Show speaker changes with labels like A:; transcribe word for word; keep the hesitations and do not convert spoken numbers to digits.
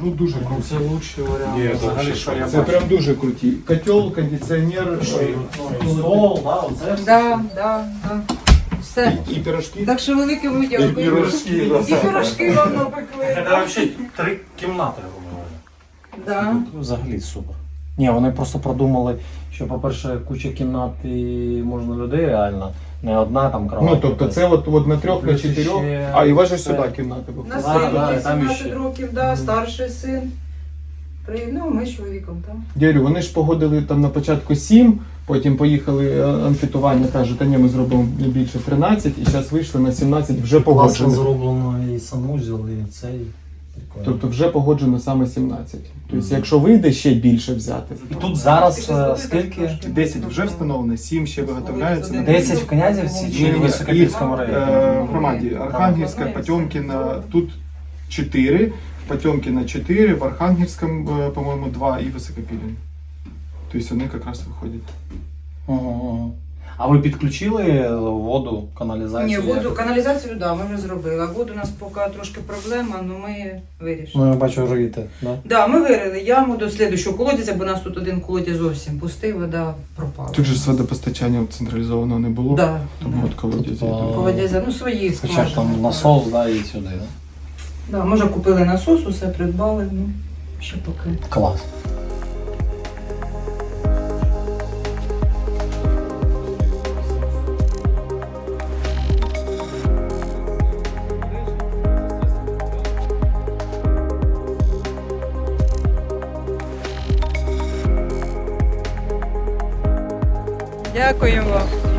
A: Ну дуже круто.
B: Це лучший варіант.
C: Ні,
B: взагалі,
C: це
B: що я
A: Це
B: бачу.
A: прям дуже круті. Котел, кондиціонер,
B: Що, і, ну, і стол, да, оце все.
D: Да, да, да. Все.
A: і пірожки.
D: Так що велике вам дякую.
C: І пірожки,
D: І пірожки вам напекли.
B: Це
D: да.
B: взагалі три кімнати, грубо говоря.
D: Да.
B: Тут взагалі супер. Ні, вони просто продумали, що, по-перше, куча кімнат і можна людей реально. Не одна там кровать.
A: Ну, тобто це от, от на трьох, на
B: Плюс
A: чотирьох,
B: ще
A: а і ваше
B: це-
A: сюди кімната
D: У
A: виходить.
D: нас
B: Да,
D: син
B: да,
D: є
B: там
D: сімнадцять
B: іще.
D: років, да, старший син. При- Ну, ми з чоловіком там.
A: Дядю, вони ж погодили там на початку сім, потім поїхали е, анкетування, кажуть, та ні, ми зробимо не більше тринадцять, і зараз вийшли на сімнадцять, вже
B: Класно
A: погоджено.
B: зроблено і санузел, і цей. Прикольно.
A: Тобто вже погоджено саме сімнадцять. Тобто, якщо вийде ще більше взяти.
B: І тут зараз е, скільки?
A: десять вже встановлено, сім ще виготовляється.
B: десять в Князівці чи в Високопільському
A: Е,
B: районі?
A: в громаді Архангельська, Потьомкіна, тут чотири, в Потьомкіна чотири, в Архангельському, е, по-моєму, два і Високопілін. Тобто вони якраз виходять.
B: Ага, ага. А ви підключили воду, каналізацію?
D: Ні, воду, каналізацію, да, ми вже зробили. А воду у нас поки трошки проблема, але ми вирішили.
B: Ну, я бачу, риєте, да?
D: Да, ми вирили яму до слідущого колодязя, бо у нас тут один колодязь зовсім пустий, вода пропала.
A: Тут же ж водопостачання централізованого не було,
D: Да,
A: тому
D: да.
A: от колодязі.
B: Тобто,
D: Колодязя, ну свої
B: Хоча б
D: скважини.
B: там насос, да, і сюди, да?
D: Да, може купили насос, усе придбали, ну, ще поки.
B: Клас.
D: Дякуємо.